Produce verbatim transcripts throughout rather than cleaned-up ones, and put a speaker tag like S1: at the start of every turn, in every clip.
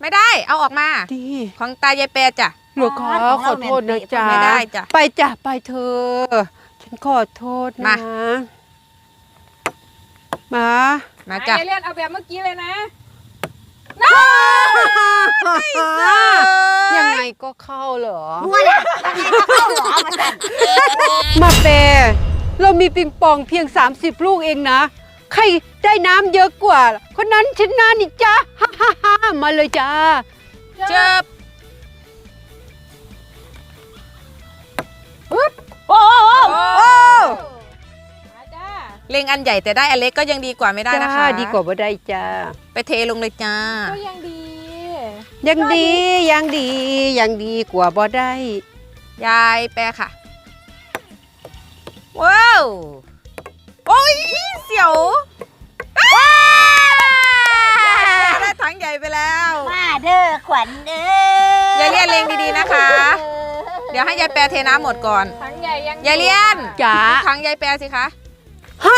S1: ไม่ได้เอาออกมา
S2: ดี
S1: ของตายายแปรจ้ะ
S2: หนูขอขอโทษนะจ๊ะ
S1: ไม่ได้จ้ะ
S2: ไปจ้ะไปเธอฉันขอโทษนะมา
S1: มาจ้ะ
S3: เรียนเอาแบบเมื่อกี้เลยนะ
S2: ยังไงก็เข้าเหรอ
S4: มัวละยังไงก็เข้าหรอมาสั่น
S2: มาเปเรามีปิงปองเพียงสามสิบลูกเองนะใครได้น้ำเยอะกว่าคนนั้นชนะนี่จ้าฮ่าฮ่าฮ่ามาเลยจ้า
S1: เจ็บ
S4: โอ้โห
S1: เล็งอันใหญ่แต่ได้อันเล็กก็ยังดีกว่าไม่ได้นะคะ
S2: ดีกว่าบ่ได้จ้า
S1: ไปเทลงเลยจ้า
S3: ก็ยังดี
S2: ยังดียังดียังดีกว่าบ่ได้
S1: ยายแปรค่ะว้าวโอ้ยเสียวได้ถังใหญ่ไปแล้ว
S4: มาเด้อขวัญเด้
S1: อยายเลียนเล็งดีๆนะคะเดี๋ยวให้ยายแปรเทน้ำหมดก่อน
S3: ถังใหญ่ยัง
S1: ยายเลียน
S2: จ๋า
S1: ถังยายแปรสิคะ
S2: ฮ่า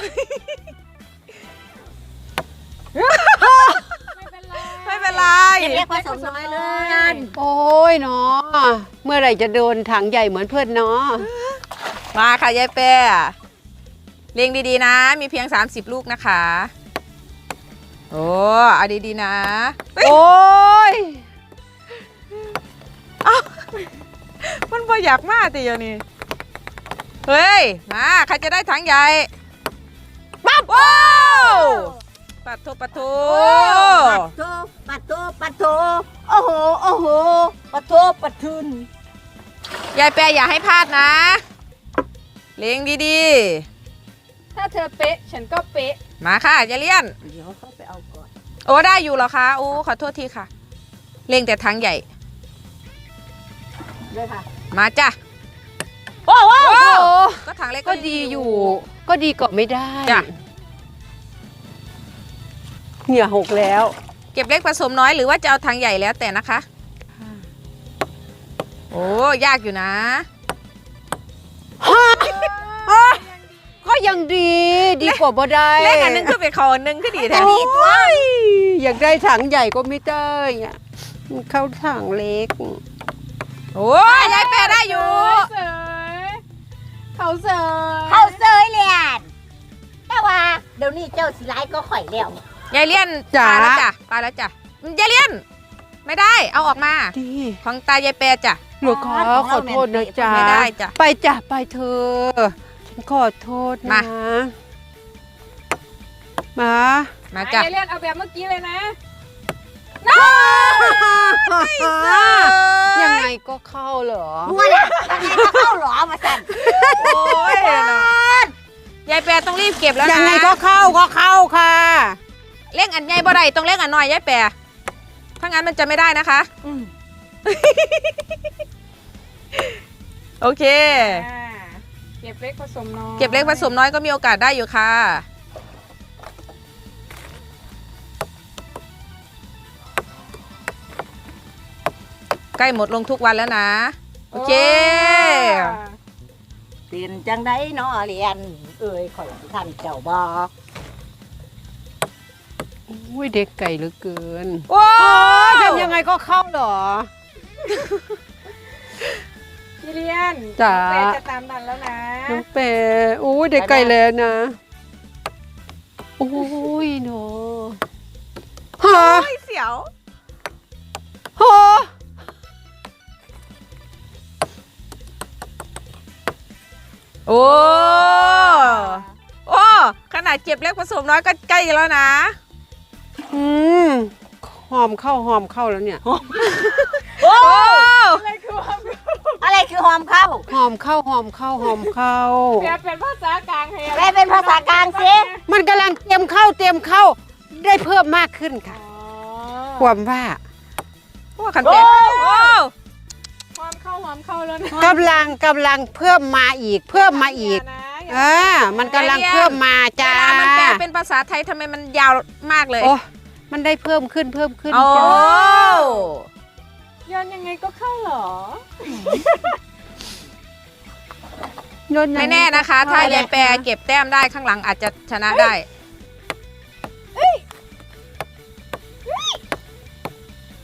S3: ไม่เป็นไร
S1: ไม่เป็นไร
S4: เรียกผสมน้อยเลย
S2: โอ้ยเนาะเมื่อไหร่จะโดนถังใหญ่เหมือนเพื่อนเนาะ
S1: มาค่ะยายแปรเลี้ยงดีๆนะมีเพียงสามสิบลูกนะคะโอ้เอาดีๆนะ
S2: โอ้ย
S1: เอ้ามันพออยากมากแต่เดี๋ยวนี้เฮ้ยมาใครจะได้ถังใหญ่ปั๊บโอ้ปัดโถปัดโถ
S4: ปัดโถปัดโถปัดโถโอ้โหโอ้โหปัดโถปัดทุน
S1: ยายแปรอย่าให้พลาดนะเลี้ยงดี
S3: ๆถ้าเธอเป๊ะฉันก็เป๊ะ
S1: มาค่ะยายเลียน
S4: เดี๋ยวเขาไปเอาก่อน
S1: โอ้ได้อยู่เหรอคะโอ้ขอโทษทีค่ะเลี้ยงแต่ถังใหญ่
S4: เลยค่ะ
S1: มาจ้ะ
S2: โอ้โห
S1: ก็ถังเล็ก
S2: ก็ดีอยู่ก็ดีกว่าไม่ได้
S1: จ้ะ
S2: เหงื่อหกแล้ว
S1: เก็บเล็กผสมน้อยหรือว่าจะเอาถังใหญ่แล้วแต่นะคะโอ้ยากอยู่นะ
S2: ก็ยังดีดีกว่าบ่ได้
S1: เล็กอันนึงคือไปคอนึงคือดีแท้
S2: อยากได้ถังใหญ่ก็ไม่ได้อะเข้าถังเล็ก
S1: โอ้ยยายแปรได้อยู่
S3: เสยเขาเสย
S4: เขาเสยเลียนแต่ว่าเดี๋ยวนี้เจ้าสิไลก็ข่อยแล้ว
S1: ยายเลียนปลาแล้วจ้ะปลาแล้วจ้ะยายเลียนไม่ได้เอาออกมาของตายายแปรจ้ะ
S2: หนูขอขอโทษนะจ๊ะ
S1: ไม่ได้จ้ะ
S2: ไปจ้ะไปเธอฉันขอโทษนะมา
S1: มาจ้ะ
S3: ยายเลียนเอาแบบเมื่อกี้เลยนะ
S2: ยังไงก็เข้าเหรอ
S4: มัวละยังไงก็เข้าหรอมาสั่น
S1: โอ้ยยายแปรต้องรีบเก็บแล้วนะ
S2: ยังไงก็เข้าก็เข้าค่ะ
S1: เล่งอันใหญ่บ่ได้ต้องเล่งอันน้อยยายแปรถ้างั้นมันจะไม่ได้นะคะโอเค
S3: เก็บเล็กผสมน้อย
S1: เก็บเล็กผสมน้อยก็มีโอกาสได้อยู่ค่ะใกล้หมดลงทุกวันแล้วนะโอเค
S4: เปลี่ยนจังได้เนาะเรียนเอ้ยข่อยท่านเจ้าบอก
S2: โอ้ยเด็กไก่เหลือเกิน
S1: โอ้
S2: ยทำยังไงก็เข้าเหรอ
S3: พี่เลียน
S2: จ๋า
S3: เปจะตามดันแล้วนะ
S2: น้องเปโอ้ยเด็กไก่แล้วนะโอ้ยเนาะ
S1: ฮะเสียว
S2: ฮะ
S1: โอ้โอ้ขนาดเก็บเล็กผสมน้อยก็ใกล้แล้วนะ
S2: อืมหอมเข้าหอมเข้าแล้วเนี่ย
S1: โอ้
S3: อะไรคือหอม
S4: อะไรคือหอมเข้า
S2: หอมเข้าหอมเข้าหอมเข้า
S3: แปลเป็นภาษากลาง
S4: แปลเป็นภาษากลางสิ
S2: มันกำลังเตรียมเข้าเตรียมเข้าได้เพิ่มมากขึ้นค่ะความว่า
S1: ว่าขันเป็ดโอ้
S3: หอมเข้าหอมเข้าแล้วนะ
S2: กำลังกำลังเพิ่มมาอีกเพิ่มมาอีกเออมันกำลังเพิ่มมาจ้า
S1: เวลามันแปลเป็นภาษาไทยทำไมมันยาวมากเลย
S2: โอ้มันได้เพิ่มขึ้นเพิ่มขึ้น
S1: จ้า
S3: ย้อนยังไงก็เข้าหรอ
S1: ไม่แน่นะคะถ้ายายแปรเก็บแต้มได้ข้างหลังอาจจะชนะได้